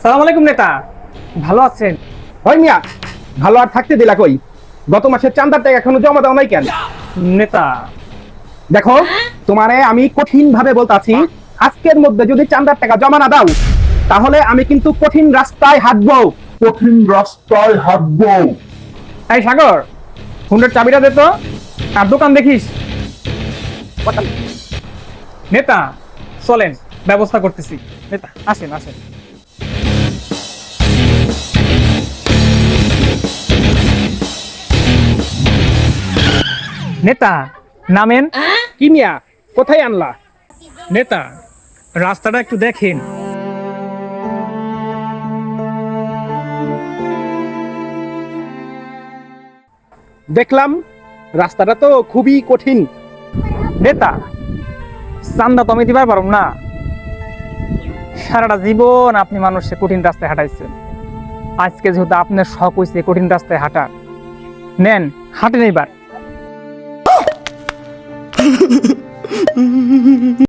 সালাম আলাইকুম নেতা, ভালো আছেন? ওই মিয়া, ভালো আর থাকতে দিলা কই? গত মাসের চাঁদার টাকা এখনো জমা দাও নাই কেন? নেতা, দেখো, তোমারে আমি কঠিন ভাবে বলতাছি, আজকের মধ্যে যদি চাঁদার টাকা জমা না দাও তাহলে আমি কিন্তু কঠিন রাস্তায় হাঁটবো। এই সাগর, হুন্ডের চাবিটা দে তো, আর দোকান দেখিস। নেতা চলেন, ব্যবস্থা করতেছি। নেতা আসেন আসেন। নেতা নামেন। কি মিয়া, কোথায় আনলা? নেতা রাস্তাটা একটু দেখেন। দেখলাম রাস্তাটা তো খুবই কঠিন। নেতা চান্দা তো আমি দিবার পারব না। সারাটা জীবন আপনি মানুষকে কঠিন রাস্তায় হাঁটাইছেন, আজকে যেহেতু আপনার শখ হয়েছে কঠিন রাস্তায় হাঁটার, নেন হাঁটেন এইবার।